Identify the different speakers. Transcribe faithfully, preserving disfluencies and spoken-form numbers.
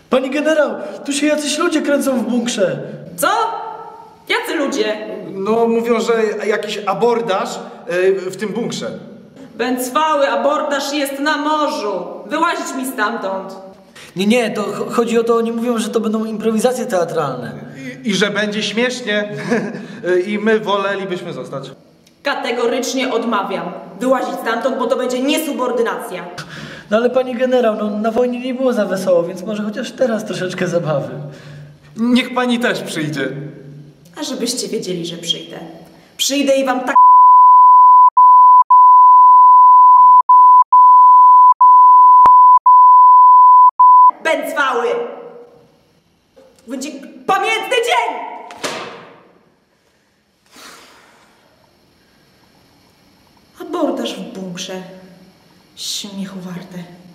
Speaker 1: Pani generał, tu się jacyś ludzie kręcą w bunkrze.
Speaker 2: Co? Jacy ludzie?
Speaker 3: No mówią, że jakiś abordaż w tym bunkrze.
Speaker 2: Bęcwały, abordaż jest na morzu. Wyłazić mi stamtąd.
Speaker 1: Nie, nie, to ch chodzi o to, oni mówią, że to będą improwizacje teatralne.
Speaker 3: I, i że będzie śmiesznie. I my wolelibyśmy zostać.
Speaker 2: Kategorycznie odmawiam. Wyłazić stamtąd, bo to będzie niesubordynacja.
Speaker 1: No ale pani generał, no na wojnie nie było za wesoło, więc może chociaż teraz troszeczkę zabawy.
Speaker 3: Niech pani też przyjdzie.
Speaker 2: A żebyście wiedzieli, że przyjdę. Przyjdę i wam tak... Bęcwały! Będzie pamiętny dzień! Abordaż w bunkrze. Śmiechu warte.